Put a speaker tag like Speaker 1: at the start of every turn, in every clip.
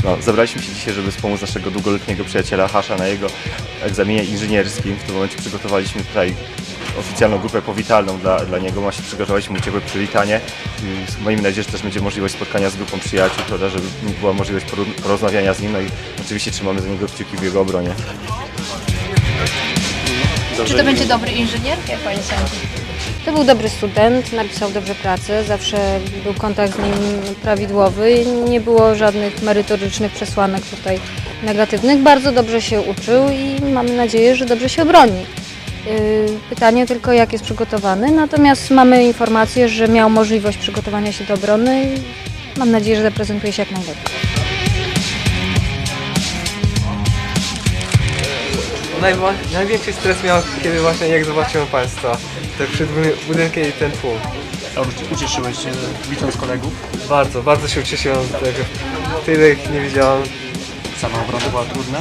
Speaker 1: No, zebraliśmy się dzisiaj, żeby wspomóc naszego długoletniego przyjaciela Hasza na jego egzaminie inżynierskim. W tym momencie przygotowaliśmy tutaj oficjalną grupę powitalną dla niego. Właśnie przygotowaliśmy mu ciepłe przywitanie. Miejmy nadzieję, że też będzie możliwość spotkania z grupą przyjaciół, prawda, żeby była możliwość porozmawiania z nim. No i oczywiście trzymamy za niego kciuki w jego obronie.
Speaker 2: Czy to będzie dobry inżynier? Jak Pani sądzi?
Speaker 3: To był dobry student, napisał dobrze pracę, zawsze był kontakt z nim prawidłowy, nie było żadnych merytorycznych przesłanek tutaj negatywnych. Bardzo dobrze się uczył i mamy nadzieję, że dobrze się obroni. Pytanie tylko, jak jest przygotowany, natomiast mamy informację, że miał możliwość przygotowania się do obrony i mam nadzieję, że zaprezentuje się jak najlepiej.
Speaker 4: Największy stres miał, kiedy właśnie jak zobaczyłem Państwa, te budynki i ten tłum.
Speaker 5: A ucieszyłeś się widząc kolegów?
Speaker 4: Bardzo, bardzo się ucieszyłem z tego. Tyle ich nie widziałem.
Speaker 5: Sama obrona była trudna?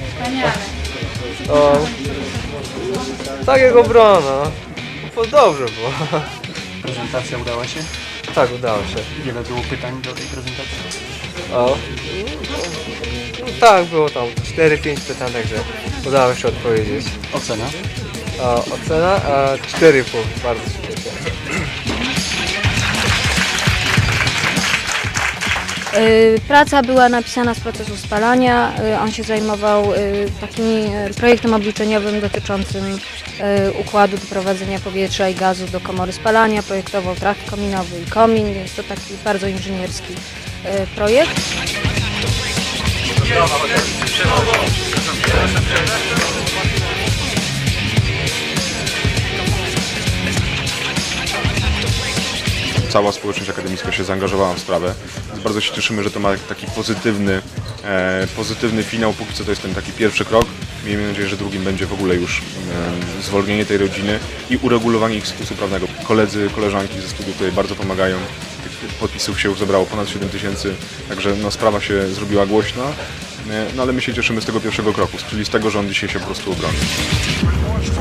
Speaker 4: O, tak jak obrona. No, dobrze było.
Speaker 5: Prezentacja udała się?
Speaker 4: Tak, udało się.
Speaker 5: Wiele było pytań do tej prezentacji?
Speaker 4: O, tak, było tam 4-5 pytań, także udało się odpowiedzieć.
Speaker 5: Ocena?
Speaker 4: Ocena 4,5. Bardzo się cieszę.
Speaker 3: Praca była napisana z procesu spalania. On się zajmował takim projektem obliczeniowym dotyczącym układu doprowadzenia powietrza i gazu do komory spalania. Projektował trakt kominowy i komin, więc to taki bardzo inżynierski projekt.
Speaker 6: Cała społeczność akademicka się zaangażowała w sprawę, więc bardzo się cieszymy, że to ma taki pozytywny finał. Póki co to jest ten taki pierwszy krok. Miejmy nadzieję, że drugim będzie w ogóle już zwolnienie tej rodziny i uregulowanie ich statusu prawnego. Koledzy, koleżanki ze studiów tutaj bardzo pomagają. Tych podpisów się już zebrało ponad 7 000, także no, sprawa się zrobiła głośna, no, ale my się cieszymy z tego pierwszego kroku, czyli z tego, że on dzisiaj się po prostu obroni.